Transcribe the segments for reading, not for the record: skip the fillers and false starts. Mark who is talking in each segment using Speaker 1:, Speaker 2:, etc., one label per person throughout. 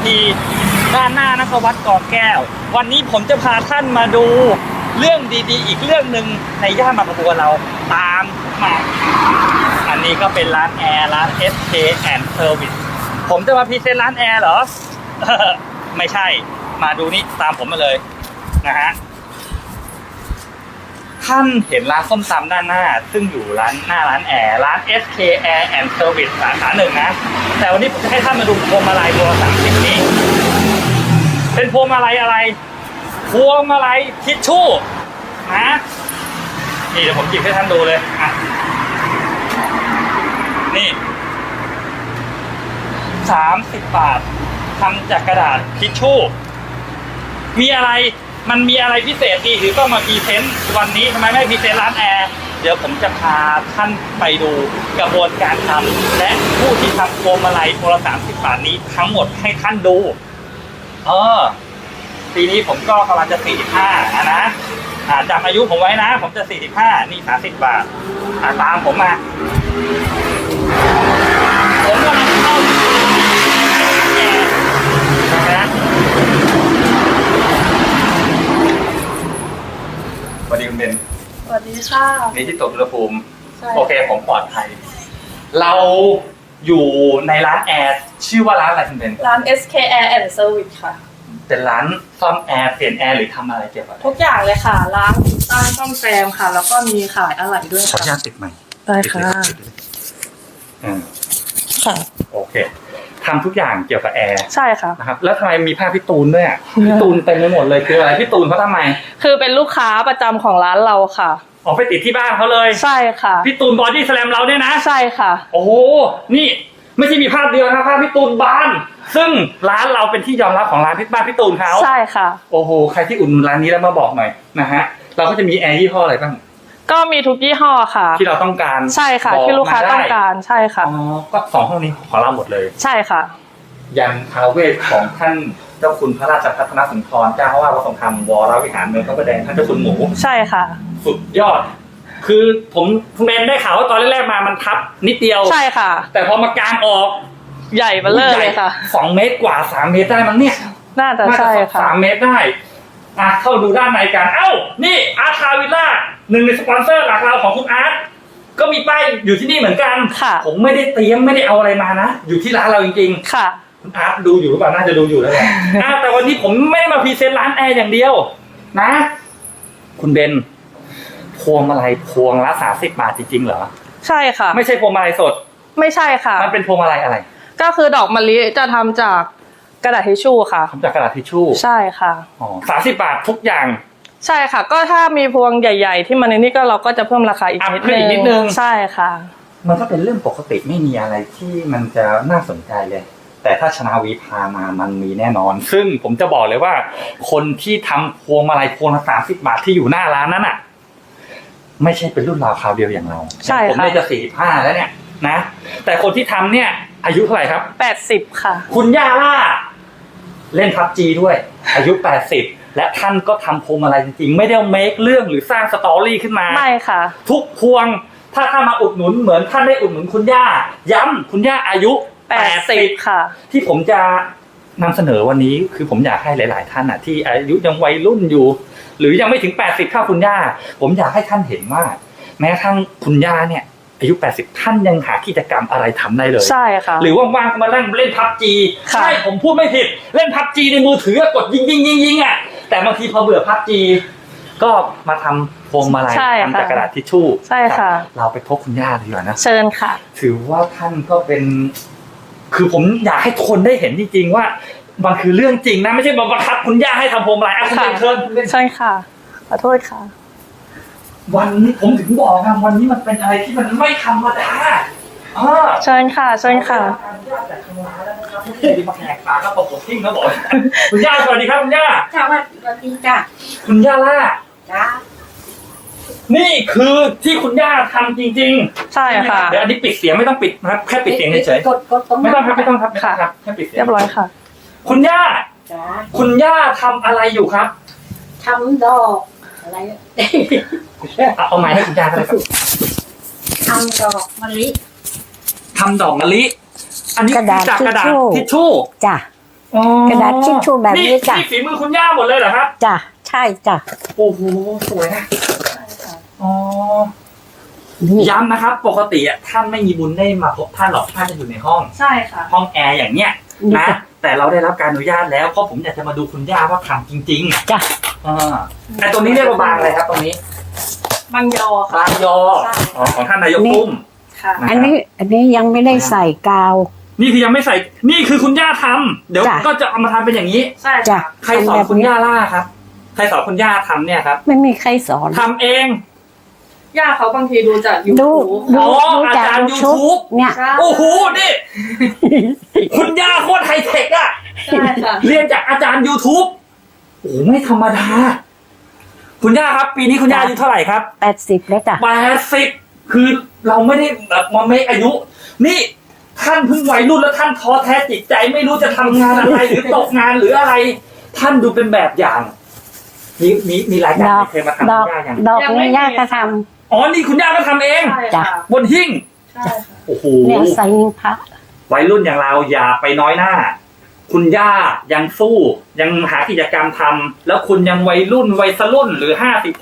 Speaker 1: ด้านหน้านครวัดกอแก้ววันนี้ผมจะพาท่านมาดูเรื่องดีๆอีกเรื่องหนึ่งในย่านบางกะบัวเราตามมาอันนี้ก็เป็นร้านแอร์ร้าน SK and Service ผมจะมาพรีเซนต์ร้านแอร์เหรอ ไม่ใช่มาดูนี่ตามผมมาเลยนะฮะท่านเห็นร้านส้มตำด้านหน้าซึ่งอยู่หน้าร้านแอร์ร้าน SK Air and Service สาขาหนึ่งนะแต่วันนี้ผมจะให้ท่านมาดูพวงมาลัยตัว30นี้เป็นพวงมาลัยอะไรพวงมาลัยทิชชู่นะนี่เดี๋ยวผมหยิบให้ท่านดูเลยอ่ะนี่30 บาททำจากกระดาษทิชชู่มีอะไรมันมีอะไรพิเศษดีหรือต้องมาพรีเซนต์วันนี้ทำไมไม่พรีเซนต์ร้านแอร์เดี๋ยวผมจะพาท่านไปดูกระบวนการทำและผู้ที่ทำพวงมาลัยตัวละ30 บาทนี้ทั้งหมดให้ท่านดูปีนี้ผมก็กำลังจะ45นะจำอายุผมไว้นะผมจะ45นี่30 บาทตามผมมาผมกำลังเข้านะสวัสดีคุณเบน
Speaker 2: สวัสดีค่ะ
Speaker 1: นี่ที่ตรวจอุณหภูมิโอเคผมปลอดภัยเราอยู่ในร้านแอร์ชื่อว่าร้านอะไรคุณเบน
Speaker 2: ร้าน SK Air and Service ค่ะ
Speaker 1: เป็นร้านซ่อมแอร์เปลี่ยนแอร์หรือทำอะไรเกี่ยวกับ
Speaker 2: ทุกอย่างเลยค่ะล้างติดตั้งซ่อมแซมค่ะแล้วก็มีขายอะไหล่ด้วย
Speaker 1: ขออนุญาตติดใหม่
Speaker 2: ได้ค่ะค่ะ
Speaker 1: โอเคทำทุกอย่างเกี่ยวกับแอร์
Speaker 2: ใช่ค่ะ
Speaker 1: นะครับแล้วทำไมมีผ้าพี่ตูนด้วยพี่ตูนเต็มไปหมดเลยคืออะไรพี่ตูนเขาทำไม
Speaker 2: คือเป็นลูกค้าประจำของร้านเราค่ะ
Speaker 1: ออกไปติดที่บ้านเขาเลย
Speaker 2: ใช่ค่ะ
Speaker 1: พี่ตูนบอดี้สแลมเราเนี่ยนะ
Speaker 2: ใช่ค่ะ
Speaker 1: โอ้โหนี่ไม่ใช่มีภาพเดียวนะภาพพี่ตูนบานซึ่งร้านเราเป็นที่ยอมรับของร้านพี่ตูนเขา
Speaker 2: ใช่ค่ะ
Speaker 1: โอ้โหใครที่อุ่นร้านนี้แล้วมาบอกหน่อยนะฮะเราก็จะมีแอร์ยี่ห้ออะไรบ้าง
Speaker 2: ก็มีทุกยี่ห้อค่ะ
Speaker 1: ที่เราต้องการ
Speaker 2: ใช่ค่ะที่ลูกค้าต้องการใช่ค่ะ
Speaker 1: อ๋อก็2 ห้องนี้ของเราหมดเลย
Speaker 2: ใช่ค่ะ
Speaker 1: ยันท้าวเวสของท่านเจ้าคุณพระราชพัฒนสุนทรเจ้าอาวาสวัดทรงธรรมวรวิหารเมืองพระประแดงท่านเจ้าคุณหมู
Speaker 2: ใช่ค่ะ
Speaker 1: สุดยอดคือผมคุณแมนได้ข่าวว่าตอนแรกๆมามันทับนิดเดียว
Speaker 2: ใช่ค่ะ
Speaker 1: แต่พอมากางออก
Speaker 2: ใหญ่เบ้อเลยค่ะ
Speaker 1: 2 เมตรกว่า3 เมตรได้มั้งเนี่ย
Speaker 2: น่าจะใช่ค่ะ
Speaker 1: 3 เมตรได้เข้าดูด้านในกันนี่อาร์ตคาวิลล่าหนึ่งในสปอนเซอร์หลักเราของคุณอาร์ตก็มีป้ายอยู่ที่นี่เหมือนกันผมไม่ได้เตรียมไม่ได้เอาอะไรมานะอยู่ที่ร้านเราจริง
Speaker 2: ๆค่ะ
Speaker 1: คุณอาร์ตดูอยู่หรือเปล่าน่าจะดูอยู่แล้วแหละแต่วันนี้ผมไม่ได้มาพรีเซนต์ร้านแอร์อย่างเดียวนะคุณเบนพวงมาลัยพวงละ30 บาทจริงๆเหรอ
Speaker 2: ใช่ค่ะ
Speaker 1: ไม่ใช่พวงมาลัยสด
Speaker 2: ไม่ใช่ค่ะ
Speaker 1: มันเป็นพวงมาลัยอะไร
Speaker 2: ก็คือดอกมะลิจะทำจากกระดาษทิชชู่ค่ะ
Speaker 1: ทำจากกระดาษทิชชู่
Speaker 2: ใช่ค่ะ
Speaker 1: 30 บาททุกอย่าง
Speaker 2: ใช่ค่ะก็ถ้ามีพวงใหญ่ๆที่มันในนี้ก็เราก็จะเพิ่มราคาอีกนิดนึงใช่ค่ะ
Speaker 1: มันก็เป็นเรื่องปกติไม่มีอะไรที่มันจะน่าสนใจเลยแต่ถ้าชนาวีพามามันมีแน่นอนซึ่งผมจะบอกเลยว่าคนที่ทำพวงมาลัยพวงละ30 บาทที่อยู่หน้าร้านนั้นไม่ใช่เป็นรุ่นราวคราวเดียวอย่างเรา
Speaker 2: ใช่
Speaker 1: ผมได้จะ45แล้วเนี่ยนะแต่คนที่ทำเนี่ยอายุเท่าไหร่ครับ
Speaker 2: 80ค่ะ
Speaker 1: คุณย่าล่าเล่น PUBG ด้วยอายุ80และท่านก็ทำพวงมาลัยจริงๆไม่ได้เมคเรื่องหรือสร้างสตอรี่ขึ้นมา
Speaker 2: ไม่ค่ะ
Speaker 1: ทุกพวงถ้ามาอุดหนุนเหมือนท่านได้อุดหนุนคุณย่าย้ำคุณย่าอายุ
Speaker 2: 80ค่ะ
Speaker 1: ที่ผมจะนำเสนอวันนี้คือผมอยากให้หลายๆท่านที่อายุยังวัยรุ่นอยู่หรือยังไม่ถึง80เท่าคุณย่าผมอยากให้ท่านเห็นว่าแม้กระทั่งคุณย่าเนี่ยอายุ80ท่านยังหากิจกรรมอะไรทำได้เลย
Speaker 2: ใช่ค่ะ
Speaker 1: หรือว่างๆก็มาเล่น PUBG ใช่ผมพูดไม่ผิดเล่น PUBG ในมือถือกดยิงแต่บางทีพอเบื่อ PUBG ก็มาทำพวงมาลัยทำจากกระดาษทิชชู่
Speaker 2: ใช่ค่ะ
Speaker 1: เราไปพบคุณย่าดีกว่านะ
Speaker 2: เชิญค่ะ
Speaker 1: ถือว่าท่านก็เป็นคือผมอยากให้คนได้เห็นจริงๆว่ามันคือเรื่องจริงนะไม่ใช่มาบังคับคุณย่าให้ทำพวงมาลัยคุณเชิญ
Speaker 2: ใช่ค่ะขอโทษค่ะ
Speaker 1: วันนี้ผมถึงบอกนะวันนี้มันเป็นอะไรที่มันไม่ธรรมดา
Speaker 2: เชิญค่ะเชิญค่ะ
Speaker 1: มาแขกตาก็ตกทิ้งนะบอกคุณย่าสวัสดีครับคุณย่า
Speaker 3: สวัสดีจ้ะ
Speaker 1: คุณย่าล่า
Speaker 3: จ้า
Speaker 1: นี่คือที่คุณย่าทำจริง
Speaker 2: ๆใช่ค่ะ
Speaker 1: เดี๋ยวอันนี้ปิดเสียงไม่ต้องปิดนะครับแค่ปิดเสียงเฉยๆไม่ต้องครับแค่ปิดเสียง
Speaker 2: เรียบร้อยค่ะ
Speaker 1: คุณย่าคุณย่าทำอะไรอยู่ครับ
Speaker 3: ทำดอกอะไร
Speaker 1: เอาไม้ให้คุณย่าเลยครับ
Speaker 3: ทำดอกมะลิ
Speaker 1: ทำดอกมะลิอันนี้จากกระดาษทิชชู่
Speaker 3: จ้ะ
Speaker 1: อ๋อก
Speaker 3: ระดาษทิชชู่แบบนี้จ้ะ
Speaker 1: นี่ฝีมือคุณย่าหมดเลยเหรอครับ
Speaker 3: จ้ะใช่จ้ะ
Speaker 1: โอ้โหสวยนะอ๋อย้ำนะครับ ปกติท่านไม่มีบุญได้มาพบท่านหรอกท่านจะอยู่ในห้อง
Speaker 2: ใช่ค่ะ
Speaker 1: ห้องแอร์อย่างเนี้ยนะแต่เราได้รับการอนุญาตแล้วเพราะผมอยากจะมาดูคุณย่าว่าทำจริงๆ
Speaker 3: จ้ะ
Speaker 1: แต่ตรงนี้เรียกว่าบางอะไรครับ ตรงนี้
Speaker 2: บางยอค่ะ
Speaker 1: บางยอของท่านนายกตุ้ม
Speaker 2: ค่ะ
Speaker 1: นะ
Speaker 3: อันนี้ยังไม่ได้ใส่กาว
Speaker 1: นี่คือยังไม่ใส่นี่คือคุณย่าทำเดี๋ยว
Speaker 3: จ้ะ
Speaker 1: ก็จะเอามาทำเป็นอย่างนี้
Speaker 2: ใช่
Speaker 3: จ้ะ
Speaker 2: ค่ะ
Speaker 1: ใครสอนคุณย่าล่าครับ ใครสอนคุณย่าทำเนี่ยครับ
Speaker 3: ไม่มีใครสอน
Speaker 1: ทำเอง
Speaker 2: ย่าเขาบางทีดูจาก
Speaker 3: ดู
Speaker 2: YouTube
Speaker 3: ดู
Speaker 1: อ๋อ
Speaker 3: ดูจาก
Speaker 1: อาจารย์
Speaker 3: YouTube เนี่ย
Speaker 2: ใช่
Speaker 1: โอ้โหนี่ คุณย่าโคตรไฮเทคอะ
Speaker 2: ใช่ค่ะ
Speaker 1: เรียนจากอาจารย์ YouTube โอ้โหไม่ธรรมดา คุณย่าครับ ปีนี้คุณย่าอายุเท่าไหร่ครับ
Speaker 3: 80แล้วจ้ะ
Speaker 1: 80คือเราไม่ได้แบบมาเมคอายุ นี่ท่านเพิ่งวัยรุ่นแล้วท่านท้อแท้จิตใจไม่รู้จะทำงานอะไร หรือตกงานหรืออะไร ท่านดูเป็นแบบอย่าง มีรายการ
Speaker 3: ดอก
Speaker 1: เคยมาทำ
Speaker 3: ดอก
Speaker 1: คุณย่าอย่าง
Speaker 3: ดอก
Speaker 2: ยังไม่
Speaker 3: นี้ย่า
Speaker 2: มี
Speaker 3: ก็ท
Speaker 1: อ๋อนี่คุณย่าก็ทำเอง
Speaker 2: ใช่
Speaker 3: จ้ะ
Speaker 2: ค่ะ
Speaker 1: บนหิ้ง
Speaker 2: ใช่ค่ะ
Speaker 1: โอ้โห
Speaker 3: ำเนี่ยใส่นิ้วพระ
Speaker 1: วัยรุ่นอย่างเราอย่าไปน้อยหน้า คุณย่ายังสู้ยังหากิจกรรมทำแล้วคุณยังวัยรุ่นหรือ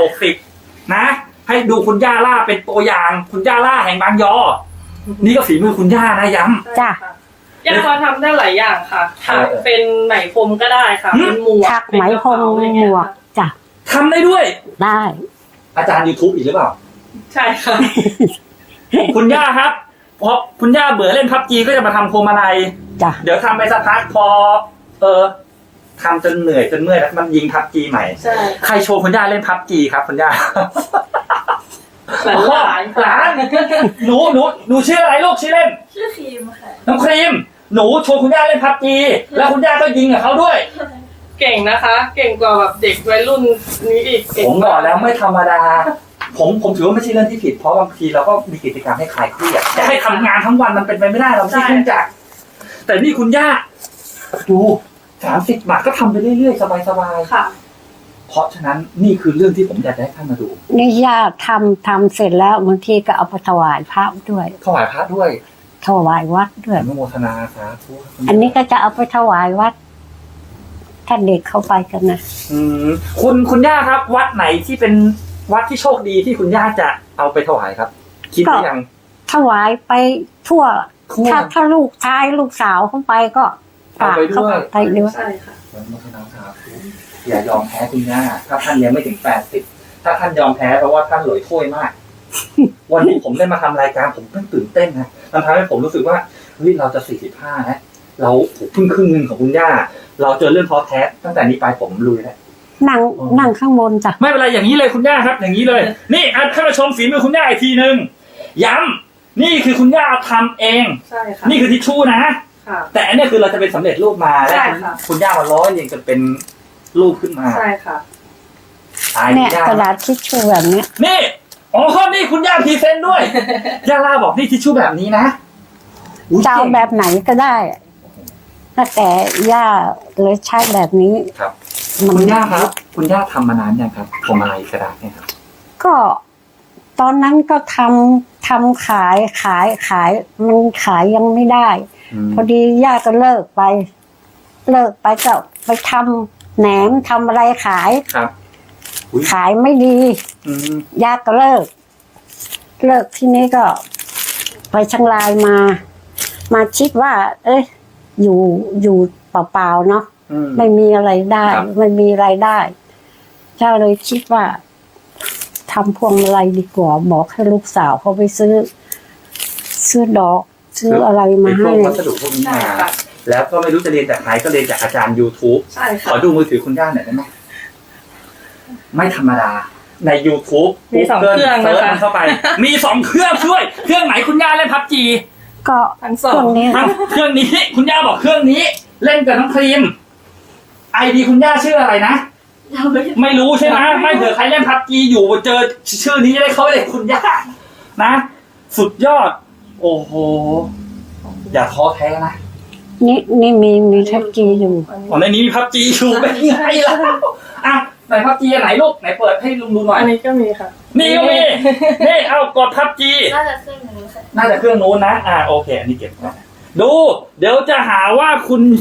Speaker 1: 50-60นะ ให้ดูคุณย่าล่าเป็นตัวอย่าง คุณย่าล่าแห่งบางยอ นี่ก็ฝีมือคุณย่านะย้ำ
Speaker 3: จ้ะ
Speaker 2: ย่าเขาทำได้หลายอย่างค่ะ
Speaker 1: เออ
Speaker 2: เป็นไหมพรมก็ได้ค่ะ
Speaker 1: หืม
Speaker 2: เป็นหมวก
Speaker 3: ถักไหมพรม
Speaker 2: เป็นกระเป๋าอะไร
Speaker 3: หม
Speaker 2: เงี้ยว
Speaker 3: ก
Speaker 2: ค่ะ
Speaker 3: จ้ะ
Speaker 1: ทำได้ด้วย
Speaker 3: ได้
Speaker 1: อาจารย์ YouTube อีกหรือเปล่า
Speaker 2: ใช่ค่ะ
Speaker 1: คุณย่าครับพอคุณย่าเบื่อเล่นพับจีก็จะมาทำโคมอะไร
Speaker 3: จ้ะ
Speaker 1: เดี๋ยวทำไปสักพักพอทำจนเหนื่อยจนเมื่อยแล้วมันยิงพับจีใหม่
Speaker 2: ใช่
Speaker 1: ใครโชว์คุณย่าเล่นพับจีครับคุณย่า
Speaker 2: หลาน
Speaker 1: หลา
Speaker 2: หลาน
Speaker 1: หนูชื่ออะไรลูกชื่อเล่น
Speaker 2: ชื่อครีมค่ะ
Speaker 1: น้องครีมหนูโชว์คุณย่าเล่นพับจีแล้วคุณย่าก็ยิงกับเขาด้วย
Speaker 2: เก่งนะคะ เก่งกว่าแบบเด็กวัยรุ่นนี้อีกเก่ง
Speaker 1: ผมบอกแล้วไม่ธรรมดา ผมถือว่าไม่ใช่เรื่องที่ผิดเพราะบางทีเราก็มีกิจกรรมให้คลายเครียดจะให้ทำงานทั้งวันมันเป็นไปไม่ได้เราไม่ใช่เครื่องจักรแต่นี่คุณย่าดู30 บาทก็ทำไปเรื่อยๆสบายๆ
Speaker 2: ค่ะ
Speaker 1: เพราะฉะนั้นนี่คือเรื่องที่ผมอยากจะให้ท่านมาดู
Speaker 3: นี่ย่าทำเสร็จแล้วบางทีก็เอาไปถวายพระด้วย
Speaker 1: ถวายพระด้วย
Speaker 3: ถวายวัดด้วย
Speaker 1: อนุโมทนาสาธุ
Speaker 3: อันนี้ก็จะเอาไปถวายวัด ถ้าเด็กเข้าไปกันนะ
Speaker 1: คุณย่าครับ วัดไหนที่เป็นวัดที่โชคดีที่คุณย่าจะเอาไปถวายครับ คิดหรือยัง
Speaker 3: ถวายไปทั่ว
Speaker 1: ทั่ว
Speaker 3: ถ้าลูกชายลูกสาวเข้าไปก็ฝากเข้าไปด้วย
Speaker 2: ใช่ค่ะ
Speaker 1: อนุโมทนาสาธุอย่ายอมแพ้คุณย่าถ้าท่านยังไม่ถึง80ถ้าท่านยอมแพ้เพราะว่าท่านหลอยถ้วยมาก วันนี้ผมได้มาทำรายการผมเพิ่งตื่นเต้นนะมันทำให้ผมรู้สึกว่าเฮ้ยเราจะ45นะเราเพิ่งครึ่งหนึงของคุณย่า เราเจอเรื่องท้อแท้ตั้งแต่นี้ไปผมลุยแล้ว
Speaker 3: นั่งข้างบนจ้ะ
Speaker 1: ไม่เป็นไรอย่างนี้เลยคุณย่าครับ อย่างนี้เลย นี่ท่านผู้ชมฝีมือคุณย่าอีกทีนึงย้ำนี่คือคุณย่าทำเอง
Speaker 2: ใช่ค่ะ
Speaker 1: นี่คือทิชชู่นะ
Speaker 2: ค่ะ
Speaker 1: แต่อันนี้คือเราจะเป็นสำเร็จรูปมาแล้ว
Speaker 2: ใช่ค่ะ
Speaker 1: คุณย่ามาร้อยเรียงจนเป็นรูปขึ้นมา
Speaker 2: ใช่ค่ะ
Speaker 1: ตาย
Speaker 3: เนี่ย
Speaker 1: ย่าก
Speaker 3: ระดาษทิชชู่แบบเนี้ย
Speaker 1: นี่อ๋อนี่คุณย่าพรีเซนต์ด้วย ย่าล่าบอกนี่ทิชชู่แบบนี้นะอุ๊ย
Speaker 3: จะเอาแบบไหนก็ได้ถ้าแต่ย่าเลยใช้แบบนี้
Speaker 1: ครับ
Speaker 3: มัน
Speaker 1: คุณย่าครับ คุณย่าทำมานานยังครับผมอะไรกระดาษเนี่ยครับ
Speaker 3: ก็ตอนนั้นก็ทำขายมันขายยังไม่ได้ พอดีย่าก็เลิกไปก็ไปทำแหนมทำอะไรขาย
Speaker 1: ครับอุ๊ย
Speaker 3: ขายไม่ดี
Speaker 1: อืม
Speaker 3: ย่าก็เลิกที่นี้ก็ไปเชียงรายมาคิดว่า เอ้ยอยู่เปล่าๆเนาะ
Speaker 1: อืม
Speaker 3: ไม่มีอะไรได้
Speaker 1: ครับ
Speaker 3: ไม่มีรายได้เจ้าเลยคิดว่าทำพวงมาลัยดีกว่าบอกให้ลูกสาวเขาไปซื้อดอกซื้ออะไรมา
Speaker 1: เป็นพว
Speaker 3: ให้
Speaker 1: กวัสดุพวกนี้
Speaker 2: ใช่
Speaker 1: มา
Speaker 2: ค่ะ
Speaker 1: แล้วก็ไม่รู้จะเรียนจากใครก็เรียนจากอาจารย์ YouTube
Speaker 2: ใช่
Speaker 1: ข
Speaker 2: ค่ะ
Speaker 1: อดูมือถือคุณย่าหน่อยได้ไหมไม่ธรรมดา ใน YouTube
Speaker 2: มีสองเครื่อง
Speaker 1: เซิร์ช
Speaker 2: นะคะ
Speaker 1: มันเข้าไป มี2เครื่องช่วย เครื่องไหนคุณย่าเล่นพับจี
Speaker 3: ก็
Speaker 2: ทั้งสอ
Speaker 3: เครื่อง งนี้
Speaker 1: เครื่องนี้ คุณย่าบอกเครื่องนี้ เล่นกับน้องครีมไอดีคุณย่าชื่ออะไรนะ ไม่รู้ใช่ไหมไม่เผื่อใครเล่นพับจีอยู่เจอชื่อนี้จะได้เข้าไปเลยคุณย่านะ สุดยอด โอ้โห อย่าท้อแท้นะ
Speaker 3: นี่มีทับกีอยู่
Speaker 1: อ๋อในนี้มีพับจีอยู่เป็นไงล่ะอ่ะไหนพับจีไหนลูกไหนเปิดให้ลุงดูหน่อย
Speaker 2: อันนี้ก็มีค่ะ
Speaker 1: นี่ก็มีนี่เอากดพับจี
Speaker 4: น่าจะเครื่องนี้ค่ะ
Speaker 1: น่าจะเครื่องนู้นนะโอเค อันนี้เก็บก่อนดู เดี๋ยวจะหาว่าคุณ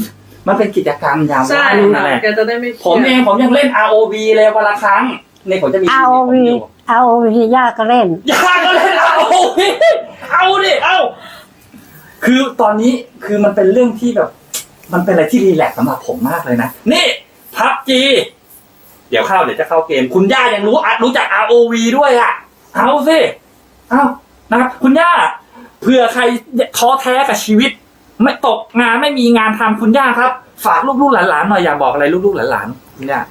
Speaker 1: มันเป็นกิจกรรมยาม
Speaker 2: ใช่
Speaker 1: ว่างนั่นแหละ
Speaker 2: แกจะได้ไม่เครียด
Speaker 1: ผมเองผมยังเล่น ROV เลยวันละครั้งในผมจะมีชีวิตผมอยู่
Speaker 3: ROV ย่าก็เล่น
Speaker 1: อย่าก็เล่น ROV เอาดิเอาคือตอนนี้คือมันเป็นเรื่องที่แบบ มันเป็นอะไรที่รีแลกซ์สำหรับผมมากเลยนะนี่พับจีเดี๋ยวจะเข้าเกมคุณย่ายังรู้จัก ROV ด้วยอ่ะเอาสิเอานะครับคุณย่าเผื่อใครท้อแท้กับชีวิต ไม่ตกงานไม่มีงานทำคุณย่าครับ ฝากลูกๆหลานๆหน่อยอยากบอกอะไรลูกๆหลานๆคุณย่า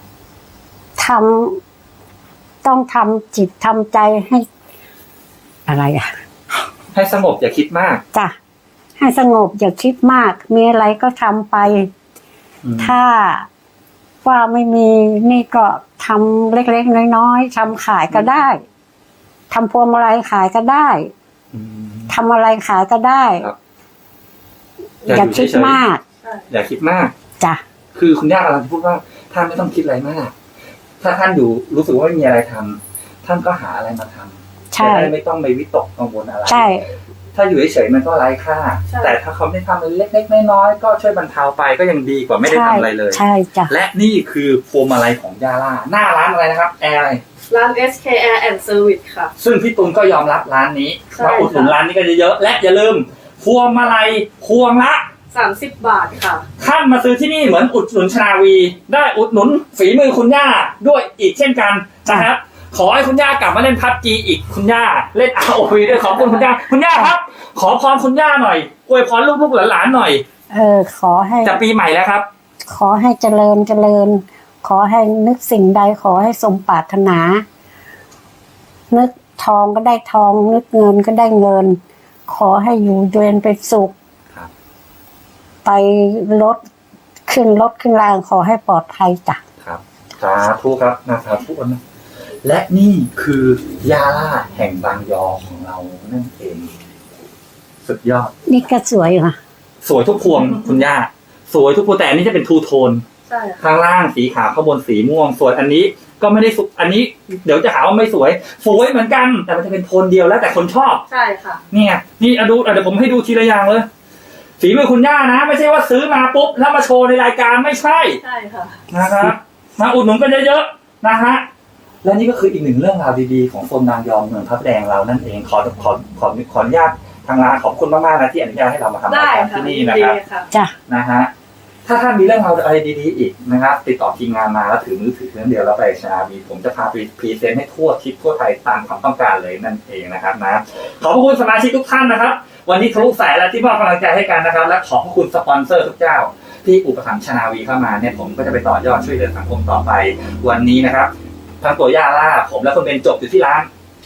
Speaker 3: ต้องทำจิตทำใจให้อะไรอ่ะ
Speaker 1: ให้สงบอย่าคิดมาก
Speaker 3: จ้ะให้สงบอย่าคิดมาก มีอะไรก็ทำไป ถ้าว่าไม่มีนี่ก็ทำเล็กๆน้อยๆทำขายก็ได้ทำพวงมาลัยขายก็ได้ทำอะไรขายก็ได้
Speaker 1: ครับ
Speaker 3: อย่าคิดมาก
Speaker 1: อย่าคิดมาก
Speaker 3: จ้ะ
Speaker 1: คือคุณย่ากำลังจะพูดว่าท่านไม่ต้องคิดอะไรมาก ถ้าท่านอยู่รู้สึกว่าไม่มีอะไรทำท่านก็หาอะไรมาทำ
Speaker 3: ใช่
Speaker 1: จะได้ไม่ต้องไปวิตกกังวลอะไร
Speaker 3: ใช่
Speaker 1: ถ้าอยู่เฉยๆมันก็ไร้ค่า
Speaker 2: ใช่
Speaker 1: แต่ถ้าเขาไม่ทำอะไรเล็กๆน้อยๆก็ช่วยบรรเทาไปก็ยังดีกว่าไม่ได้ทำอะไรเลย
Speaker 3: ใช่จ้ะ
Speaker 1: และนี่คือพวงมาลัยของย่าล่าหน้าร้านอะไรนะครับแอร์อะไร
Speaker 2: ร้าน SK Air and Service ค่ะ
Speaker 1: ซึ่งพี่ตุลก็ยอมรับร้านนี้
Speaker 2: ใช่
Speaker 1: ว่าอุดหนุนร้านนี้ก็เยอะๆและอย่าลืมพวงมาลัยพวงละ
Speaker 2: 30 บาทค่ะ
Speaker 1: ท่านมาซื้อที่นี่เหมือนอุดหนุนชนาวี ได้อุดหนุนฝีมือคุณย่าด้วยอีกเช่นกันนะครับขอให้คุณย่ากลับมาเล่นพับจีอีกคุณย่าเล่น ROV ด้วยขอบคุณคุณย่าคุณย่าครับ ขอพรคุณย่าหน่อยอวยพรลูกๆหลานๆหน่อย
Speaker 3: ขอให้
Speaker 1: จะปีใหม่แล้วครับ
Speaker 3: ขอให้เจริญ ขอให้นึกสิ่งใดขอให้สมปรารถนา นึกทองก็ได้ทอง นึกเงินก็ได้เงิน ขอให้อยู่เย็นเป็นสุข
Speaker 1: ครับ
Speaker 3: ไปรถขึ้นรางขอให้ปลอดภัยจ้ะ
Speaker 1: ครับสาธุครับนะครับทุกคนนะและนี่คือยาล่าแห่งบางยอของเรานั่นเองสุดยอด
Speaker 3: นี่ก็สวยค่ะ
Speaker 1: สวยทุกพวงคุณย่าสวยทุกพวงแต่อันนี้จะเป็นทูโทน
Speaker 2: ใช่ค่ะ
Speaker 1: ข้างล่างสีขาวข้างบนสีม่วงส่วนอันนี้ก็ไม่ได้สุอันนี้เดี๋ยวจะหาว่าไม่สวยสวยเหมือนกัน แต่มันจะเป็นโทนเดียวแล้วแต่คนชอบ
Speaker 2: ใช่ค่ะ
Speaker 1: เนี่ยนี่เดี๋ยวผมให้ดูทีละอย่างเลยฝีมือคุณย่านะไม่ใช่ว่าซื้อมาปุ๊บแล้วมาโชว์ในรายการไม่ใช่
Speaker 2: ใช่ค่ะ
Speaker 1: นะครับมาอุดหนุนกันเยอะๆนะฮะและนี่ก็คืออีกหนึ่งเรื่องราวดีๆของโซนนางยอมเมืองพระประแดงเรานั่นเองขออนุญาตทางร้านขอบคุณมากๆนะที่อนุญาตให้เรามาทำราย
Speaker 2: ได้
Speaker 1: การ
Speaker 2: ค่ะ
Speaker 1: ที่นี่นะครับ
Speaker 2: ดีค่ะ
Speaker 3: จ้ะ
Speaker 1: นะฮะถ้าท่านมีเรื่องราวอะไรดีๆอีกนะครับติดต่อทีมงานมาแล้วถือมือถือเครื่องเดียวแล้วไปชนาวีผมจะพาไปพรีเซนต์ให้ทั่วทิศทั่วไทยตามความต้องการเลยนั่นเองนะครับนะขอบคุณสมาชิกทุกท่านนะครับวันนี้ทะลุสายแล้วที่มอบกำลังใจให้กันนะครับและขอบคุณสปอนเซอร์ทุกเจ้าที่อุปถัมภ์ชนาวีเข้ามาเนี่ยผมก็จะไปต่อยอดช่วยเหลือสังคมต่อไปวันนี้นะครับทั้งตัวย่าล่าผมและคุณเบนจบอยู่ที่ร้าน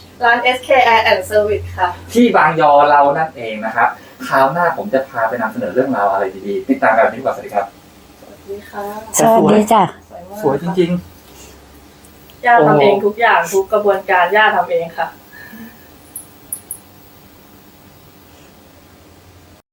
Speaker 2: SK Air and Service ค่ะ
Speaker 1: ที่บางยอเรานั่นเองนะครับคราวหน้าผมจะพาไปนำเสนอเรื่องราวอะไรดีๆติดตามกันวันนี้ดีกว่าสวัสดีครับ
Speaker 2: สวัสดีค่ะ
Speaker 3: สวัสดีจ้ะ
Speaker 2: สวยมาก
Speaker 1: สวยจริง
Speaker 2: ย่าทำเองทุกอย่างทุกกระบวนการย่าทำเองค่ะ